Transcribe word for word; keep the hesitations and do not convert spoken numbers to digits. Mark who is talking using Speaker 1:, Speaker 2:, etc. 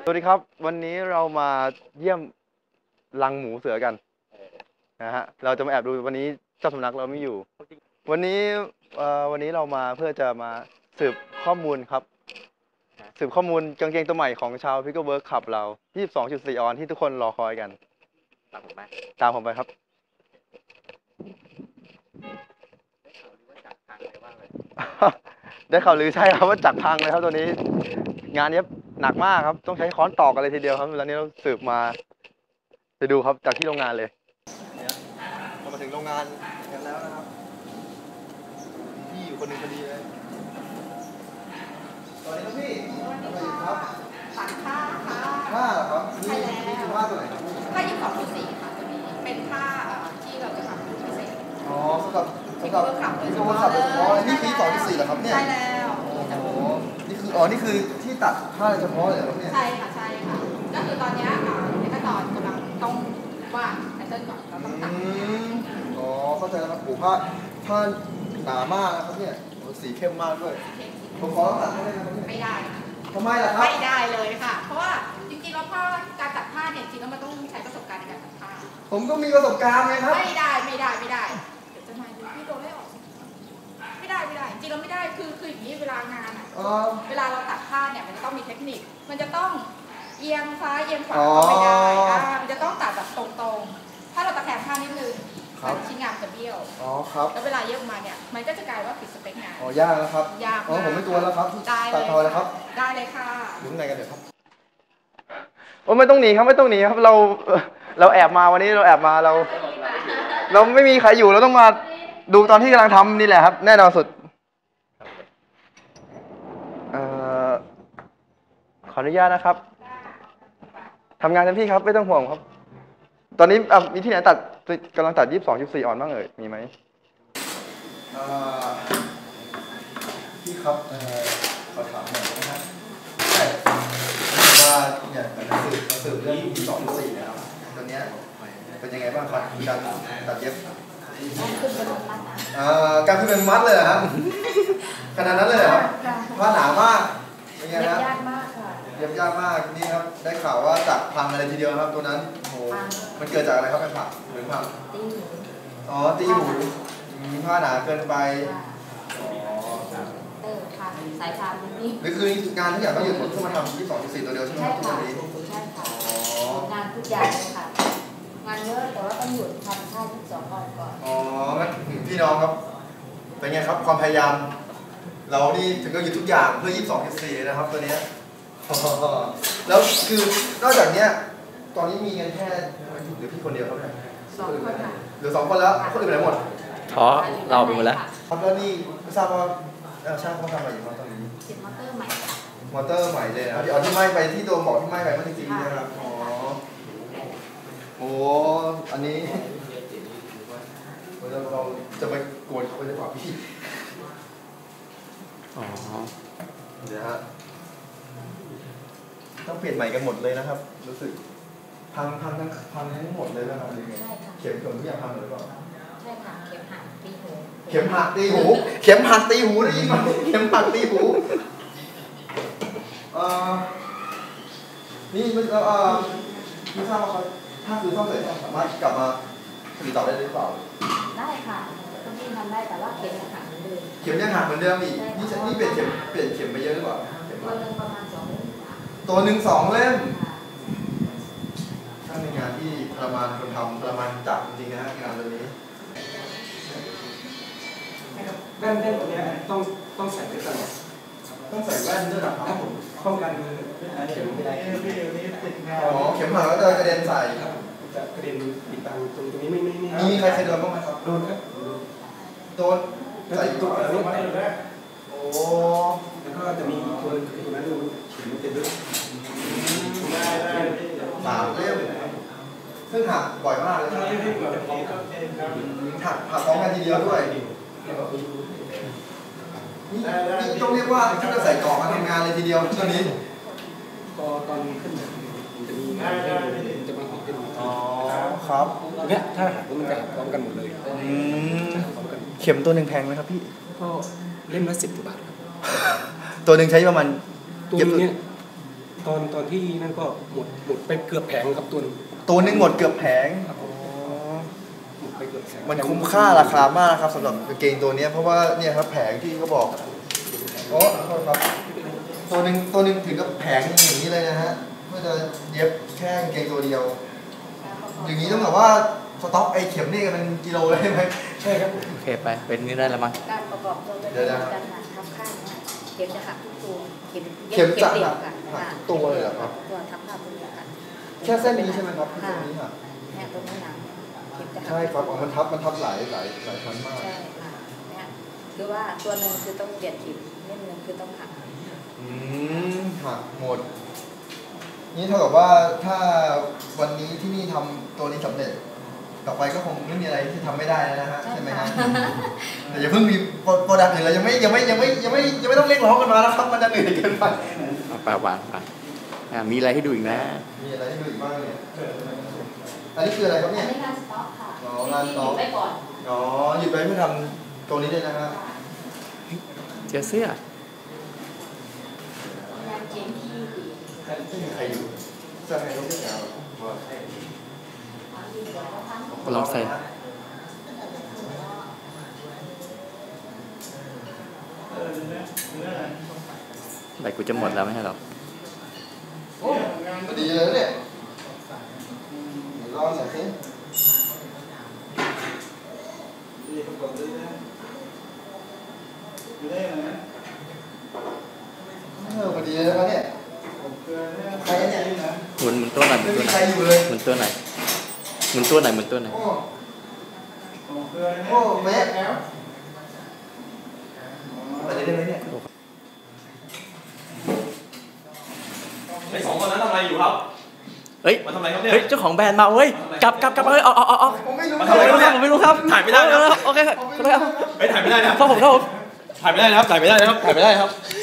Speaker 1: สวัสดีครับวันนี้เรามาเยี่ยมรังหมูเสือกันนะฮะเราจะมาแอบดูวันนี้เจ้าสำนักเราไม่อยู่วันนี้เอ่อวันนี้เรามาเพื่อจะมาสืบข้อมูลครับสืบข้อมูลกางเกงตัวใหม่ของชาวพิกเกอร์เวิร์กคลับเรา ยี่สิบสองจุดสี่ ออนที่ทุกคนรอคอยกันตามผมไปตามผมไปครับได้ข่าวลือใช่ครับว่าจักพังเลยครับตัวนี้งานนี้หนักมากครับต้องใช้ค้อนตอกกันเลยทีเดียวครับแล้วนี้เราสืบมาไปดูครับจากที่โรงงานเลยเรามาถึงโรงงานกันแล้วนะครับพี่อยู่คนหนึ่งพอดีเลยสวัสดีครับพี่ทำอะไรอยู่ครับ
Speaker 2: ตัดผ้าค่ะ
Speaker 1: ผ้าเหรอครับนี่นี่คือผ้าตัวไหนครับ
Speaker 2: ผ้ายี่สิบสองจุดสี่ค่ะตัวนี้เป็นผ้าที่เราจะทำเป็นพิเศษ
Speaker 1: อ๋อสำหรับสำหรับที่เขาขับโดยเฉพาะเลยนี่คือยี่สิบสองจุดสี่เหรอครับเนี่ย
Speaker 2: ใช่แล้ว
Speaker 1: โอ้โหนี่คืออ๋อนี่คือที่ตัดผ้าเฉพาะเลยครับเนี่ย
Speaker 2: ใช่ค่ะใช่ค่ะก็คือตอนนี้ในขั้นตอนกำลังต้องวาดแพทเทิร์นก่อนเราต้องตัด
Speaker 1: อ๋อเข้าใจแล้วครับโอ้ผ้าผ้าหนามากนะครับเนี่ยสีเข้มมากด้วยผมขอตัดได้ไหมครับ
Speaker 2: ไม่ได้
Speaker 1: ทำไมล่ะครับ
Speaker 2: ไม่ได้เลยค่ะเพราะว่าจริงๆแล้วผ้าการตัดผ้าเนี่ยจริงๆแล้วมันต้องใช้ประสบการณ์ในการตัดผ้า
Speaker 1: ผมก็มีประสบการณ์ไงครับ
Speaker 2: ไม่ได้ไม่ได้ไม่ได้เดี๋ยวจะมาดูพี่โดนไล่ออกไม่ได้ไม่ได้จริงเราไม่ได้คือคืออย่างนี้เวลางานอ่ะเวลาเราตัดผ้าเนี่ยมันจะต้องมีเทคนิคมันจะต้องเอียงซ้ายเอียงขวาก็ไม่ได้มันจะต้องตัดแบบตรงๆถ้าเราตะแคงผ้านิดนึงชิ้นงานจะเบี้ยว
Speaker 1: อ๋อครับ
Speaker 2: แล้วเวลาเย็บมาเนี่ยมันก็จะกลายว่าผิดสเปคงาน
Speaker 1: อ๋อยากแล้วครับ
Speaker 2: ยาก
Speaker 1: อ๋อผมไม่ตัวแล้วครับตัดทอแล้วครับ
Speaker 2: ได้เลยค่ะ
Speaker 1: ลุ้นไงกันเดี๋ยวครับโอ้ไม่ต้องหนีครับไม่ต้องหนีครับเราเราแอบมาวันนี้เราแอบมาเรา เราไม่มีใครอยู่เราต้องมาดูตอนที่กำลังทำนี่แหละครับแน่นอนสุดเอ่อขออนุญาตนะครับทำงานเต็มที่ครับไม่ต้องห่วงครับตอนนี้มีที่ไหนตัดกำลังตัด ยี่สิบสองจุดสี่ ออนบ้างเอ่ยมีไหมพี่ครับขอถามหน่อยนะครับใช่ว่าเนี่ยมาสืบมาสืบเรื่อง ยี่สิบสองจุดสี่ นะครับตอนนี้เป็นยังไงบ้างครับการตัดเย็บการขึ้นเป็นมัดเลยครับขนาดนั้นเลยครับผ้าหนามากเป็นไงครับ
Speaker 2: ยากมากค่ะ
Speaker 1: เย็บยากมากนี่ครับได้ข่าวว่าจักพังอะไรทีเดียวครับตัวนั้นโอ้มันเกิดจากอะไรครับเป็นผักหรือผักอ๋อตีหูผ้าหนาเกินไปอ๋อ
Speaker 2: เออค่ะสายพานนี่
Speaker 1: หรือคืองานทุกอย่างก็หยุดหมดเพื่อมาทำ ยี่สิบสองจุดสี่ ตัวเดียวใช่ไหมครับทุกวันนี้
Speaker 2: ใช่ค่ะงานทุกอย่างเลยค่ะงานเยอะแต่ว่าต้องหยุดทำท่ายี่สิบสองก่อนก่อน
Speaker 1: อ๋องั้นพี่น้องครับเป็นไงครับความพยายามเรานี่ถึงก็หยุดทุกอย่างเพื่อ ยี่สิบสองจุดสี่ นะครับตัวนี้แล้วคือนอกจากเนี้ยตอนนี้มีกันแค่หรือพี่คนเดียวครับเนี่ย
Speaker 2: สองคนค่ะ
Speaker 1: เหลือสองคนแล้วคนอื่นไปไหนหมด
Speaker 3: อ๋อเราไปหมดแล้ว
Speaker 1: ครับแล้วนี่ไม่ทราบว่าช่างเขาทำอะไรอยู่ตอนนี้
Speaker 2: ติดมอเตอร์ใหม่
Speaker 1: มอเตอร์ใหม่เลยนะครับที่เอาที่ไหม้ไปที่โดนบอกที่ไหม้ไปเมื่อกี้นะครับอ๋อโอ้อันนี้เราเราจะไปโกนเขาไปได้เปล่าพี่
Speaker 3: อ๋อ
Speaker 1: เดี๋ยวฮะต้องเปลี่ยนใหม่กันหมดเลยนะครับรู้สึกพังพังทั้งพังทั้งหมดเลยนะครับเข็มเข็มทุกอย่างพังหมดหรือเปล่า
Speaker 2: ใช่ค่ะเข็มหักตีหู
Speaker 1: เข็มหักตีหูเข็มหักตีหูได้ยินไหมเข็มหักตีหูเอ่อนี่ไม่เอ่อไม่ทราบว่าเขาถ้าคือซ่อมเสร็จสามารถกลับมาผลิตต่อได้หรือเปล่า
Speaker 2: ได้ค่ะต้องยิ่งทำได้แต่ว่าเข็มยังหักเหมือนเดิม
Speaker 1: เข็มยังหักเหมือนเดิมอีกนี่นี่เปลี่ยนเข็มเปลี่ยนเข็มไปเยอะหรือเปล่า
Speaker 2: ตัวหนึ่งประมาณสองเล่ม
Speaker 1: ตัวหนึ่งสองเล่มช่างในงานที่ทรมานคนทำทรมานจับจริงๆนะฮะงานตัวนี้
Speaker 4: แว่นแว่นตัวนี้ต้องต้องใส่ไว้ตลอด
Speaker 1: ต้องใส่แว่นด้วยหรอครับผม
Speaker 4: ป้องกันเข็มไม่ได้
Speaker 1: อ๋อเข็มหักก็จะกระเด็นใส่
Speaker 4: จะกระเด็นติดตังตรงตรงนี้ไม่ไม่ไม่
Speaker 1: มีใครเคยโดนบ้างไหมครับ
Speaker 4: โดนครับ
Speaker 1: โดนใส่ตัวอะไรโอ้
Speaker 4: แล้วก็จะมีตัวอีกนั้นดูเข็มเต็มด้วย
Speaker 1: สามเล่มซึ่งหักบ่อยมากเลยหักหักพร้อมกันทีเดียวด้วยนี่ต้องเรียกว่าที่จะใส่กล่องมาทำงานเลยทีเดียวตัวนี้
Speaker 4: พอตอนขึ้นมันจะมีงานจะมาออกเป็น
Speaker 1: อ๋อครับ
Speaker 4: เนี่ยถ้าหักมันจะหักพร้อมกันหมดเลย
Speaker 1: เข็มตัวหนึ่งแพงไหมครับพี่
Speaker 4: ก็เล่มละสิบกว่าบาทครับ
Speaker 1: ตัวหนึ่งใช้ประมาณ
Speaker 4: ตัวนี้ตอนตอนที่นั่นก็หมดหมดไปเกือบแผงครับตัวนึง
Speaker 1: ตัวหนึงหมดเกือบแผง
Speaker 4: ครับผมหมดไปเกือบแผง
Speaker 1: มันคุ้มค่าราคามากครับสำหรับกางเกงตัวเนี้ยเพราะว่าเนี่ยครับแผงที่เขาบอกโอ้โทษครับตัวหนึ่งตัวหนึ่งถึงกับแผงอย่างนี้เลยนะฮะเพื่อจะเย็บแค่กางเกงตัวเดียว อย่างนี้ต้องแบบว่าสต็อกไอเข็มนี่กันเป็นกิโลเลยใช่ไหม
Speaker 4: ใช่ครับ
Speaker 3: โอเคไป เป็นนี่ได้แล้วมั้ง
Speaker 5: การประกอบตัว
Speaker 1: เดี๋ยวนะ
Speaker 5: การหักทับข้างเนี่ยเข็มจะหักทุกตัวเข็ม
Speaker 1: เข็มจะ
Speaker 5: เดีย
Speaker 1: หั
Speaker 5: ว
Speaker 1: ก
Speaker 5: กัน
Speaker 1: หักทุกตัวเลยเหรอครับ
Speaker 5: ตัวทับภาพตัวเดียวกัน
Speaker 1: แค่เส้นนี้ใช่ไหมครับที่ตรงนี้ค่ะ
Speaker 5: เนี่ยตรงนี้หนังเข็มจะหัก
Speaker 1: ใช่ครับอ๋อมันทับมันทับหลายหลายหลายชั้นมาก
Speaker 5: ใช่ค่ะเนี่ยคือว่าตัวหนึ่งคือต้องเปลี่ยนเข็มนิดนึงคือต้องหัก
Speaker 1: อืมหักหมด นี่เท่ากับว่าถ้าวันนี้ที่นี่ทำตัวนี้สำเร็จ ต่อไปก็คงไม่มีอะไรที่ทำไม่ได้แล้วนะฮะใช่ไหมฮะแต่อย่าเพิ่งมีโปรดักต์อื่นเลยยังไม่ยังไม่ยังไม่ยังไม่ยังไม่ต้องเรียกร้องกันมาแล้วครับมันจะเหนื่อยเกินไป
Speaker 3: เอาไปวางไปอ่ะมีอะไรให้ดูอีกนะ
Speaker 1: มีอะไรให้ดูอีกบ้างเนี่ยอันนี้คืออะไรครับ
Speaker 5: อั
Speaker 1: เนี่ย
Speaker 5: นนี้งานสต็อกค่ะ
Speaker 1: อ๋องานสต็อก
Speaker 5: หยุดไว้ก่อน
Speaker 1: อ๋อหยุดไปเพื่อทำตัวนี้เลยนะฮะ
Speaker 3: เจอเสื้อ
Speaker 5: งานเข็มที่
Speaker 1: ไม่มีใครอยู่จะให้เขาเรียกแล้ว
Speaker 3: ลองใส่ใบกูจะหมดแล้วไม่ใช่หรอ
Speaker 1: โอ้พอดีเลยนะเนี่ยลองใส่สิเออพอดีเลยนะครับเนี่ยใครเนี่ย
Speaker 3: หมุนหมุนตัวไหนอยหมุ
Speaker 1: ไม่
Speaker 3: นตัว
Speaker 1: มี
Speaker 3: ไหน
Speaker 1: ใคร
Speaker 3: อย
Speaker 1: อยู่เลย
Speaker 3: หมุนตัวไหนอยหมุนตัวไหนอยหมุนตัวไหนอย
Speaker 1: โอ้โอ้แม่ไปได้ไหมเนี่ย
Speaker 6: ไอ้สองคนนั้นทำอะไรอยู่ครับ
Speaker 3: เฮ้ย
Speaker 6: มาทำอะไรครับเนี่ย
Speaker 3: เฮ้ย เจ้าของแบรนด์มาเว้ย กลับกลับกลับเฮ้ยเอาเอาเอาเอา
Speaker 1: ผมไม่รู้
Speaker 6: มา
Speaker 3: ผม
Speaker 6: ทำอะไร
Speaker 3: ไม่รู้ครับผมไม่รู้ครับ
Speaker 6: ถ่ายไม่ได้นะครับ
Speaker 3: โอเคครับ
Speaker 1: ผม
Speaker 3: โอ
Speaker 1: ไม่
Speaker 3: เค
Speaker 1: รู้
Speaker 3: ครับ
Speaker 6: ไม่ถ่ายไม่ได้นะครับ
Speaker 3: ครับผมครับผม
Speaker 6: ถ่ายไม่ได้นะครับ ถ่ายไม่ได้นะครับ ถ่ายไม่ได้นะครับ